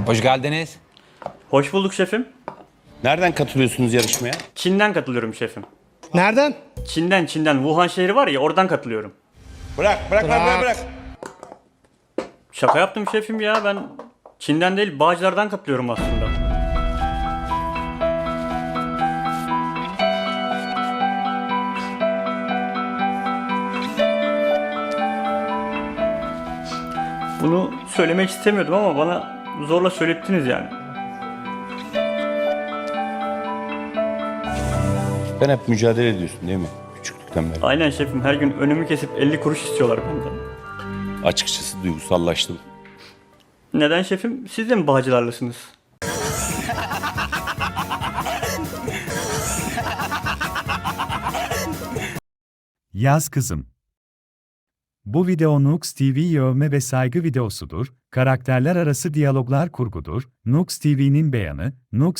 Hoş geldiniz. Hoş bulduk şefim. Nereden katılıyorsunuz yarışmaya? Çin'den katılıyorum şefim. Nereden? Çin'den. Wuhan şehri var ya, oradan katılıyorum. Bırak. Şaka yaptım şefim ya, ben Çin'den değil Bağcılar'dan katılıyorum aslında. Bunu söylemek istemiyordum ama bana zorla söylettiniz yani. Sen hep mücadele ediyorsun değil mi? Küçüklükten beri. Aynen şefim, her gün önümü kesip 50 kuruş istiyorlar benden. Açıkçası duygusallaştım. Neden şefim? Siz de mi Bağcılarlısınız? Yaz kızım. Bu video Nux TV yövme ve saygı videosudur, karakterler arası diyaloglar kurgudur. Nux TV'nin beyanı, Nux